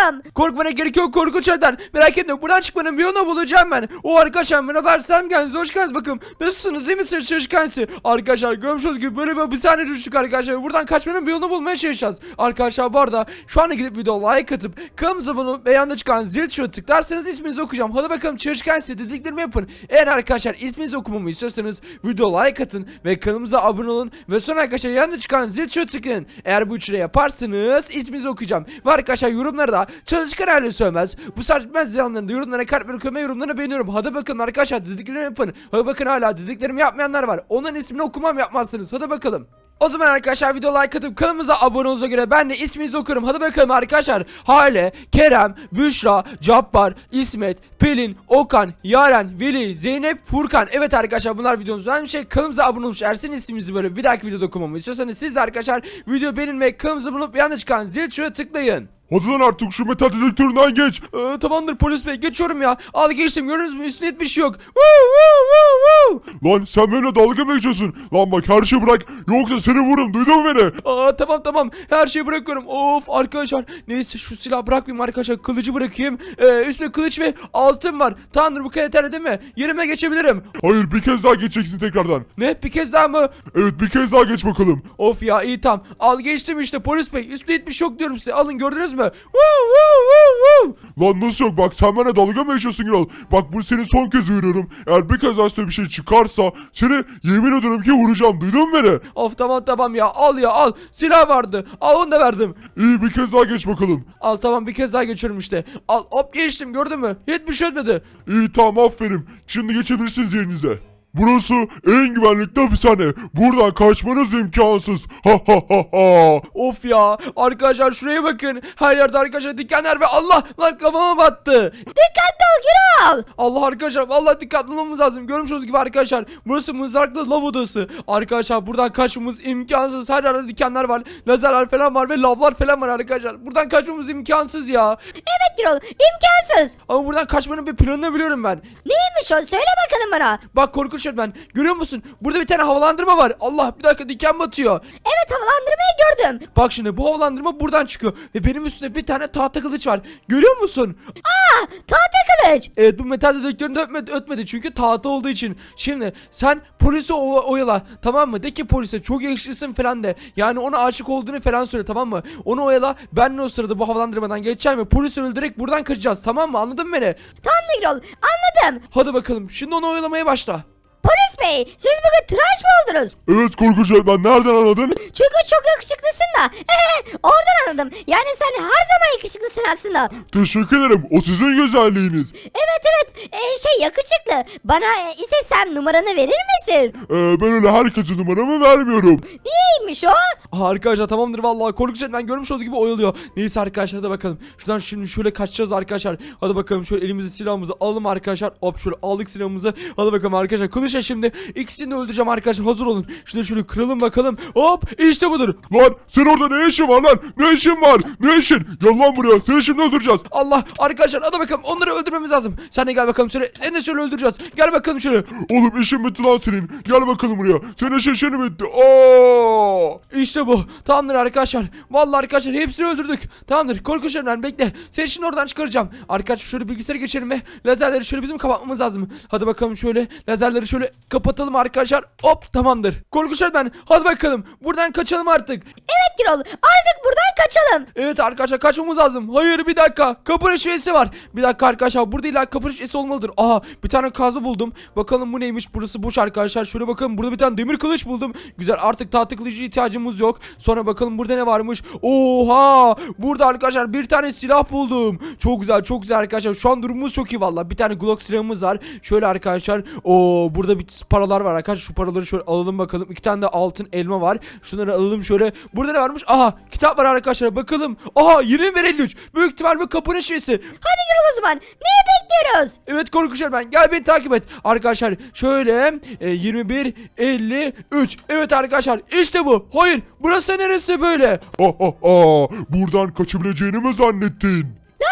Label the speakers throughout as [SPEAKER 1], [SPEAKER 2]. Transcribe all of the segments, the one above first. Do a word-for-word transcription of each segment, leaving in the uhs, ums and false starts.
[SPEAKER 1] korkuyorum.
[SPEAKER 2] Korkmana gerek yok korkunç adam. Merak etme buradan çıkmanın bir yolunu bulacağım ben. O arkadaşlar merhaba Sam kendinize hoş geldiniz bakın. Nasılsınız değil misiniz çalışkansı? Arkadaşlar görmüşsünüz gibi böyle bir hapishane düştük arkadaşlar. Buradan kaçmanın bir yolunu bulmaya çalışacağız. Arkadaşlar bu arada şu anda gidip video like atıp kanalımıza abone olup ve yanında çıkan zil tuşuna tıklarsanız isminizi okuyacağım. Hadi bakalım çalışkansı dediklerimi yapın. Eğer arkadaşlar isminizi okumamı istiyorsanız video like atın ve kanalımıza abone olun. Ve sonra arkadaşlar yanında çıkan zil tuşuna tıklayın. Eğer bu üçüne yaparsanız isminizi okuyacağım. Ve arkadaşlar yorumlarda çalışkan hali söylemez. Bu saçma ziyanlarında yorumlara kalp bırakıyorum ve yorumlarını beğeniyorum. Hadi bakın arkadaşlar dediklerimi yapın. Hadi bakın hala dediklerimi yapmayanlar var. Onların ismini okumam yapmazsınız. Hadi bakalım. O zaman arkadaşlar video like atıp kanalımıza abone olduğunuza göre ben de isminizi okurum. Hadi bakalım arkadaşlar. Hale, Kerem, Büşra, Cabbar, İsmet, Pelin, Okan, Yaren, Veli, Zeynep, Furkan. Evet arkadaşlar bunlar videomuzdan bir şey. Kanalımıza abone olmuş. Eğer sizin isminizi böyle bir dahaki videoda okumamı istiyorsanız siz de arkadaşlar video beğenmeyi, kanalımıza abone olup yanında çıkan zil tuşuna tıklayın.
[SPEAKER 3] Hadi lan artık şu metal dedektöründen geç.
[SPEAKER 2] Ee, tamamdır polis bey geçiyorum ya. Al geçtim gördünüz mü üstüne hiçbir şey yok. Woo, woo, woo, woo.
[SPEAKER 3] Lan sen benimle dalga mı geçiyorsun? Lan bak her şeyi bırak yoksa seni vururum, duydun mu beni?
[SPEAKER 2] Aa tamam tamam her şeyi bırakıyorum. Of arkadaşlar neyse şu silahı bırakmayayım arkadaşlar, kılıcı bırakayım. Ee, üstüne kılıç ve altın var. Tanrı bu kadar yeterli değil mi? Yerime geçebilirim.
[SPEAKER 3] Hayır, bir kez daha geçeceksin tekrardan.
[SPEAKER 2] Ne bir kez daha mı?
[SPEAKER 3] Evet, bir kez daha geç bakalım.
[SPEAKER 2] Of ya iyi tamam. Al geçtim işte polis bey. Üstüne hiçbir şey yok diyorum size. Alın gördünüz mü? Woo, woo, woo, woo.
[SPEAKER 3] Lan nasıl yok, bak sen benimle dalga mı geçiyorsun Gürol? Bak bu senin son kez uyarıyorum. Eğer bir kez daha üstüne bir şey çıkarsa seni yemin ederim ki vuracağım, duydun mu beni?
[SPEAKER 2] Of tamam tamam ya al ya al. Silah vardı. Al onu da verdim.
[SPEAKER 3] İyi, bir kez daha geç bakalım.
[SPEAKER 2] Al tamam bir kez daha geçiyorum işte. Al hop geçtim gördün mü? Hiçbir şey etmedi.
[SPEAKER 3] İyi tamam, aferin. Şimdi geçebilirsiniz yerinize. Burası en güvenlikli hapishane. Buradan kaçmanız imkansız. Ha ha ha ha.
[SPEAKER 2] Of ya arkadaşlar şuraya bakın. Her yerde arkadaşlar dikenler ve Allah lan kafama battı.
[SPEAKER 1] Dikkatli ol Gürol.
[SPEAKER 2] Allah arkadaşlar vallahi dikkatli olmamız lazım. Görmüş olduğunuz gibi arkadaşlar burası mızraklı lav odası. Arkadaşlar buradan kaçmamız imkansız. Her yerde dikenler var. Lazerler falan var ve lavlar falan var arkadaşlar. Buradan kaçmamız imkansız ya.
[SPEAKER 1] Evet Gürol, imkansız.
[SPEAKER 2] Ama buradan kaçmanın bir planını biliyorum ben.
[SPEAKER 1] Neymiş o, söyle bakalım bana.
[SPEAKER 2] Bak korkunç ben. Görüyor musun? Burada bir tane havalandırma var. Allah bir dakika diken batıyor.
[SPEAKER 1] Evet, havalandırmayı gördüm.
[SPEAKER 2] Bak şimdi bu havalandırma buradan çıkıyor. Ve benim üstümde bir tane tahta kılıç var. Görüyor musun?
[SPEAKER 1] Aa, tahta kılıç.
[SPEAKER 2] Evet bu metal dedektörünü de ötmedi, ötmedi çünkü tahta olduğu için. Şimdi sen polisi o- oyala tamam mı? De ki polise çok yakışıklısın falan de. Yani ona aşık olduğunu falan söyle tamam mı? Onu oyala, ben de o sırada bu havalandırmadan geçeceğim ve polisi öldürerek buradan kaçacağız tamam mı? Anladın mı beni?
[SPEAKER 1] Tamam Gürol, anladım.
[SPEAKER 2] Hadi bakalım şimdi onu oyalamaya başla.
[SPEAKER 1] Polis bey, siz bugün tıraş mı oldunuz?
[SPEAKER 3] Evet korkunç, ben nereden anladın?
[SPEAKER 1] Çünkü çok yakışıklısın da. Oradan anladım. Yani sen her zaman yakışıklısın aslında.
[SPEAKER 3] Teşekkür ederim, o sizin güzelliğiniz.
[SPEAKER 1] Evet evet, ee, şey yakışıklı. Bana e, ise sen numaranı verir misin?
[SPEAKER 3] Ee, ben öyle herkese numaramı vermiyorum.
[SPEAKER 1] Niyeymiş o?
[SPEAKER 2] Aha, arkadaşlar tamamdır vallahi korkunç ben görmüş olduğu gibi oyalıyor. Neyse arkadaşlar hadi bakalım. Şuradan şimdi şöyle kaçacağız arkadaşlar. Hadi bakalım şöyle elimize silahımızı alalım arkadaşlar. Hop şöyle aldık silahımızı. Hadi bakalım arkadaşlar. Kılıçla şimdi ikisini de öldüreceğim arkadaşlar. Hazır olun. Şunu şöyle kıralım bakalım. Hop işte budur.
[SPEAKER 3] Lan sen orada ne işin var lan? Ne işin var? Ne işin? Gel lan buraya, seni şimdi öldüreceğiz.
[SPEAKER 2] Allah arkadaşlar hadi bakalım onları öldürmemiz lazım. Sen de gel bakalım şöyle. Seni de şöyle öldüreceğiz. Gel bakalım şöyle.
[SPEAKER 3] Oğlum işin bitti lan senin. Gel bakalım buraya. Senin işin şimdi bitti. Oo!
[SPEAKER 2] İşte bu. Tamamdır arkadaşlar. Vallahi arkadaşlar hepsini öldürdük. Tamamdır. Korkunç Emren bekle. Seni şimdi oradan çıkaracağım. Arkadaşlar şöyle bilgisayara geçelim ve lazerleri şöyle bizim kapatmamız lazım. Hadi bakalım şöyle lazerleri şöyle kapatalım arkadaşlar. Hop tamamdır. Korkunç Emren hadi bakalım. Buradan kaçalım artık.
[SPEAKER 1] Evet Gürol, artık buradan kaçalım.
[SPEAKER 2] Evet arkadaşlar kaçmamız lazım. Hayır bir dakika. Kapının şifresi var. Bir dakika arkadaşlar. Burada illa kapının şifresi olmalıdır. Aha bir tane kazma buldum. Bakalım bu neymiş? Burası boş arkadaşlar. Şöyle bakalım. Burada bir tane demir kılıç buldum. Güzel artık tahta kılıcı ihtiyacımız yok. Sonra bakalım burada ne varmış? Oha! Burada arkadaşlar bir tane silah buldum. Çok güzel çok güzel arkadaşlar. Şu an durumumuz çok iyi valla. Bir tane Glock silahımız var. Şöyle arkadaşlar. Oo burada bir paralar var arkadaşlar. Şu paraları şöyle alalım bakalım. İki tane de altın elma var. Şunları alalım şöyle. Burada ne varmış? Aha kitap var arkadaşlar. Bakalım. Aha yirmi bir elli üç. Büyük ihtimal bu kapının şifresi.
[SPEAKER 1] Hadi Gürol o zaman. Neyi bekliyoruz?
[SPEAKER 2] Evet korkunç ben. Gel beni takip et. Arkadaşlar şöyle e, yirmi bir elli üç. Evet arkadaşlar işte bu. Hayır burası neresi böyle?
[SPEAKER 3] Ha ha ha! Buradan kaçabileceğini mi zannettin?
[SPEAKER 1] Lanet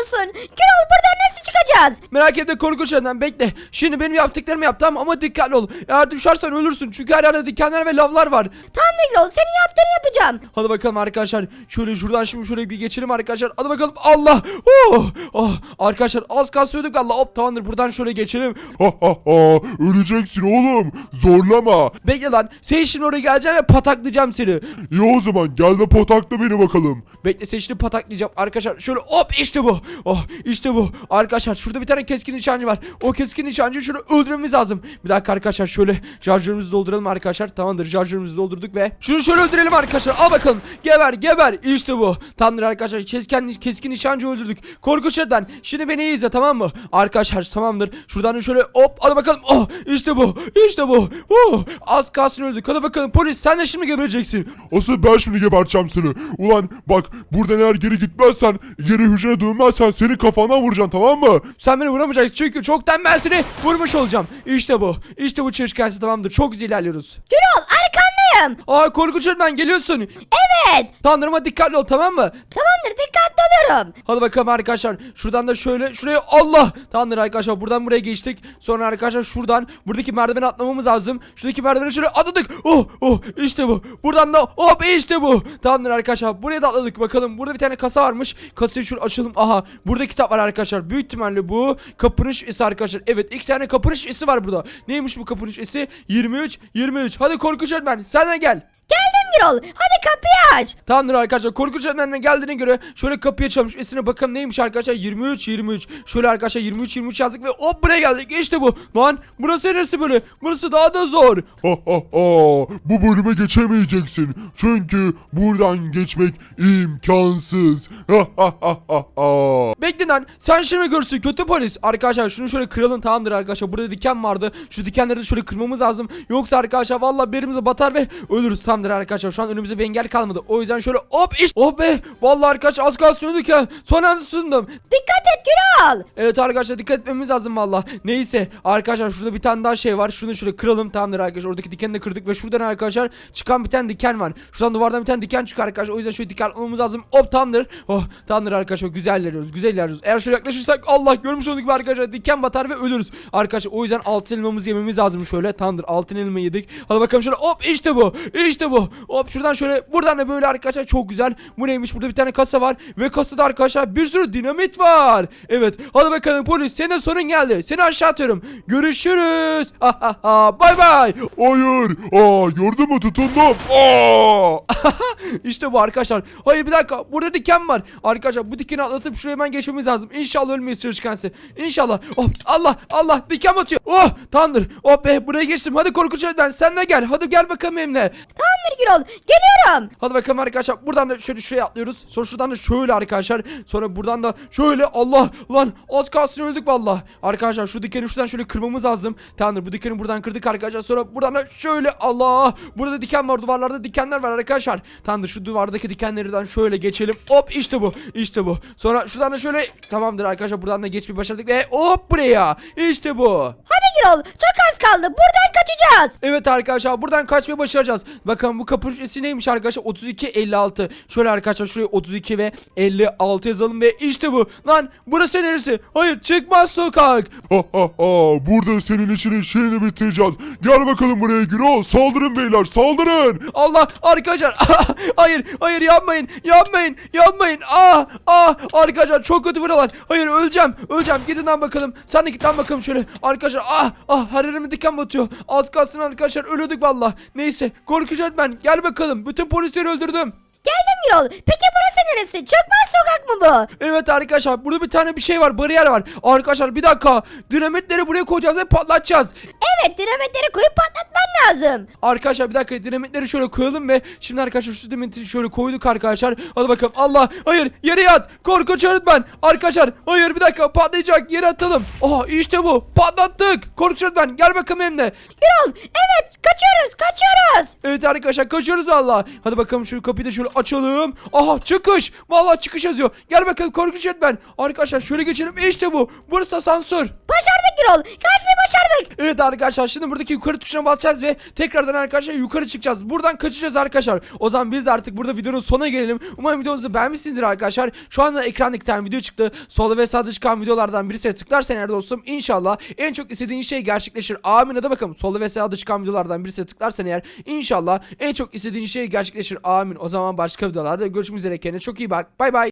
[SPEAKER 1] olsun. Gürol buradan nasıl çıkacağız?
[SPEAKER 2] Merak etme korkunç adam, bekle. Şimdi benim yaptıklarımı yap, tamam, ama dikkatli ol. Eğer düşersen ölürsün çünkü her yerde dikenler ve lavlar var.
[SPEAKER 1] Tamam da Gürol senin yaptığını yapacağım.
[SPEAKER 2] Hadi bakalım arkadaşlar. Şöyle şuradan şimdi şöyle bir geçelim arkadaşlar. Hadi bakalım. Allah. Oh. Oh. Arkadaşlar az kalsıyorduk valla. Hop, tamamdır, buradan şöyle geçelim.
[SPEAKER 3] Ha ha ha. Öleceksin oğlum. Zorlama.
[SPEAKER 2] Bekle lan. Sen şimdi oraya geleceğim ve pataklayacağım seni.
[SPEAKER 3] İyi o zaman gel de patakla beni bakalım.
[SPEAKER 2] Bekle, sen şimdi pataklayacağım arkadaşlar. Şöyle hop, işte bu. Oh, işte bu. Arkadaşlar şurada bir tane keskin nişancı var. O keskin nişancıyı şöyle öldürmemiz lazım. Bir dakika arkadaşlar, şöyle şarjörümüzü dolduralım arkadaşlar. Tamamdır, şarjörümüzü doldurduk ve şunu şöyle öldürelim arkadaşlar. Al bakalım. Geber geber. İşte bu. Tamamdır arkadaşlar. Keskin, keskin nişancı öldürdük. Korkunç Eden. Şimdi beni iyi izle, tamam mı? Arkadaşlar tamamdır. Şuradan şöyle hop. Hadi bakalım. Oh, işte bu. İşte bu. Oh, az kalsın öldük. Hadi bakalım polis, sen de şimdi gebereceksin.
[SPEAKER 3] Asıl ben şimdi geberteceğim seni. Ulan bak, buradan eğer geri gitmezsen, geri hücrene dönmezsen seni kafandan vuracağım, tamam mı?
[SPEAKER 2] Sen beni vuramayacaksın çünkü çoktan ben seni vurmuş olacağım. İşte bu. İşte bu çalışkansı, tamamdır. Çok güzel ilerliyoruz.
[SPEAKER 1] Gürol arkandayım.
[SPEAKER 2] Aa, korkunç öğretmen geliyorsun.
[SPEAKER 1] Evet.
[SPEAKER 2] Tanrıma dikkatli ol, tamam mı?
[SPEAKER 1] Tamamdır dikkatli olurum.
[SPEAKER 2] Hadi bakalım arkadaşlar. Şuradan da şöyle şuraya, Allah. Tamamdır arkadaşlar, buradan buraya geçtik. Sonra arkadaşlar şuradan buradaki merdiveni atlamamız lazım. Şuradaki merdiveni şöyle atladık. Oh oh, işte bu. Buradan da hop, işte bu. Tamamdır arkadaşlar, buraya da atladık. Bakalım burada bir tane kasa varmış. Kasayı şöyle açalım. Aha, burada kitap var arkadaşlar. Büyük ihtimalle bu kapının şifresi arkadaşlar. Evet, iki tane kapının şifresi var burada. Neymiş bu kapının şifresi? yirmi üç yirmi üç. Hadi korkunç öğretmen, sen de gel.
[SPEAKER 1] Geldim Gürol. Hadi kapıyı aç.
[SPEAKER 2] Tamamdır arkadaşlar, korkunç öğretmenine geldiğine göre şöyle kapıya çalmış. Esine bakalım neymiş arkadaşlar. yirmi üç yirmi üç. Şöyle arkadaşlar yirmi üç yirmi üç yazdık ve hop, buraya geldik. İşte bu. Lan burası neresi böyle? Burası daha da zor.
[SPEAKER 3] Ha ha ha. Bu bölüme geçemeyeceksin. Çünkü buradan geçmek imkansız. Ha ha ha ha ha.
[SPEAKER 2] Bekle lan, sen şimdi görsün kötü polis. Arkadaşlar şunu şöyle kıralım, tamamdır arkadaşlar. Burada diken vardı. Şu dikenleri de şöyle kırmamız lazım. Yoksa arkadaşlar vallahi birimize batar ve ölürüz. Tamamdır arkadaşlar, şu an önümüzde bir engel kalmadı. O yüzden şöyle hop, işte. Oh be. Vallahi arkadaşlar az kalsın öldük ya. Son anda sundum.
[SPEAKER 1] Dikkat et Gürol.
[SPEAKER 2] Evet arkadaşlar, dikkat etmemiz lazım valla. Neyse arkadaşlar, şurada bir tane daha şey var. Şunu şöyle kıralım, tamamdır arkadaşlar. Oradaki dikeni de kırdık ve şuradan arkadaşlar çıkan bir tane diken var. Şuradan duvardan bir tane diken çıkıyor arkadaşlar. O yüzden şöyle diken almamız lazım. Hop, tamamdır. Oh, tamamdır arkadaşlar, güzel ilerliyoruz. Güzel ilerliyoruz. Eğer şöyle yaklaşırsak Allah, görmüş olduk gibi arkadaşlar, diken batar ve ölürüz. Arkadaşlar o yüzden altın elmamızı yememiz lazım şöyle. Tamamdır, altın elma yedik. Hadi bakalım şöyle hop, işte bu. İşte bu. Hop, şuradan şöyle, buradan da böyle arkadaşlar, çok güzel. Bu neymiş? Burada bir tane kasa var ve kasada arkadaşlar bir sürü dinamit var. Evet, hadi bakalım polis, senin sorun geldi. Seni aşağı atıyorum. Görüşürüz. Ha ha ha. Bay bay.
[SPEAKER 3] Hayır. Aa, gördün mü, tutundum. Aa.
[SPEAKER 2] İşte bu arkadaşlar. Hayır, bir dakika. Burada diken var. Arkadaşlar bu dikeni atlatıp şuraya hemen geçmemiz lazım. İnşallah ölmeyiz çalışkansı. İnşallah. Oh, Allah Allah, diken batıyor. Oh, tamamdır. Oh be, buraya geçtim. Hadi korkunç öğretmen, sen de gel. Hadi gel bakalım benimle.
[SPEAKER 1] Tamamdır Gürol. Geliyorum.
[SPEAKER 2] Hadi bakalım arkadaşlar, buradan da şöyle şuraya atlıyoruz. Sonra şuradan da şöyle arkadaşlar. Sonra buradan da şöyle, Allah lan, az kalsın öldük valla. Arkadaşlar şu dikeni şuradan şöyle kırmamız lazım. Tamamdır, bu dikeni buradan kırdık arkadaşlar. Sonra buradan da şöyle, Allah. Burada diken var, duvarlarda dikenler var arkadaşlar. Tamamdır, şu duvardaki dikenlerden şöyle geçelim. Hop, işte bu. İşte bu. Sonra şuradan da şöyle, tamamdır arkadaşlar, buradan da geçmeyi başardık ve hop, buraya. İşte bu.
[SPEAKER 1] Hadi Gürol. Çok az kaldı. Buradan kaçacağız.
[SPEAKER 2] Evet arkadaşlar, buradan kaçmayı başaracağız. Bakın bu kapı ücreti neymiş arkadaşlar? otuz iki elli altı. Şöyle arkadaşlar şuraya otuz iki ve elli altı yazalım ve işte bu. Lan burası neresi? Hayır, çıkmaz sokak.
[SPEAKER 3] Ha ha ha. Burada senin işinin şeyini bitireceğiz. Gel bakalım buraya Gürol. Saldırın beyler, saldırın.
[SPEAKER 2] Allah, arkadaşlar. Hayır hayır, yapmayın yapmayın yapmayın. Ah ah, arkadaşlar çok kötü vuruyorlar. Hayır, öleceğim öleceğim. Gidin lan bakalım. Sen de git lan bakalım şöyle. Arkadaşlar ah ah, her yerime diken batıyor. Az kalsın arkadaşlar, ölüyorduk valla. Neyse, korkunç öğretmen gel bakalım. Bütün polisleri öldürdüm.
[SPEAKER 1] Geldim Gürol. Peki burası neresi? Çıkmaz sokak mı bu?
[SPEAKER 2] Evet arkadaşlar, burada bir tane bir şey var, bariyer var. Arkadaşlar bir dakika, dinamitleri buraya koyacağız ve patlatacağız.
[SPEAKER 1] Evet, dinamitleri koyup patlatman lazım.
[SPEAKER 2] Arkadaşlar bir dakika, dinamitleri şöyle koyalım ve şimdi arkadaşlar şu dinamitleri şöyle koyduk arkadaşlar. Hadi bakalım, Allah, hayır, yere yat, korkunç öğretmen. Arkadaşlar hayır, bir dakika, patlayacak, yere atalım. Aha, işte bu, patlattık. Korkunç öğretmen gel bakalım benimle.
[SPEAKER 1] Gürol, evet, kaçıyoruz kaçıyoruz.
[SPEAKER 2] Evet arkadaşlar, kaçıyoruz Allah. Hadi bakalım şu kapıyı da şöyle açalım. Aha çıkış. Vallahi çıkış yazıyor. Gel bakalım korkunç yönetmen. Arkadaşlar şöyle geçelim. İşte bu. Burası asansör.
[SPEAKER 1] Başardık Gürol. Kaçmayı başardık.
[SPEAKER 2] Evet arkadaşlar şimdi buradaki yukarı tuşuna basacağız ve tekrardan arkadaşlar yukarı çıkacağız. Buradan kaçacağız arkadaşlar. O zaman biz de artık burada videonun sonuna gelelim. Umarım videomuzu beğenmişsinizdir arkadaşlar. Şu anda ekranda iki tane video çıktı. Solda ve sağda çıkan videolardan birisine tıklarsan eğer dostum inşallah en çok istediğin şey gerçekleşir. Amin. Hadi bakalım. Solda ve sağda çıkan videolardan birisine tıklarsan eğer inşallah en çok istediğin şey gerçekleşir. Amin. O zaman başka videolarda görüşmek üzere. Kendine çok iyi bak. Bay bay.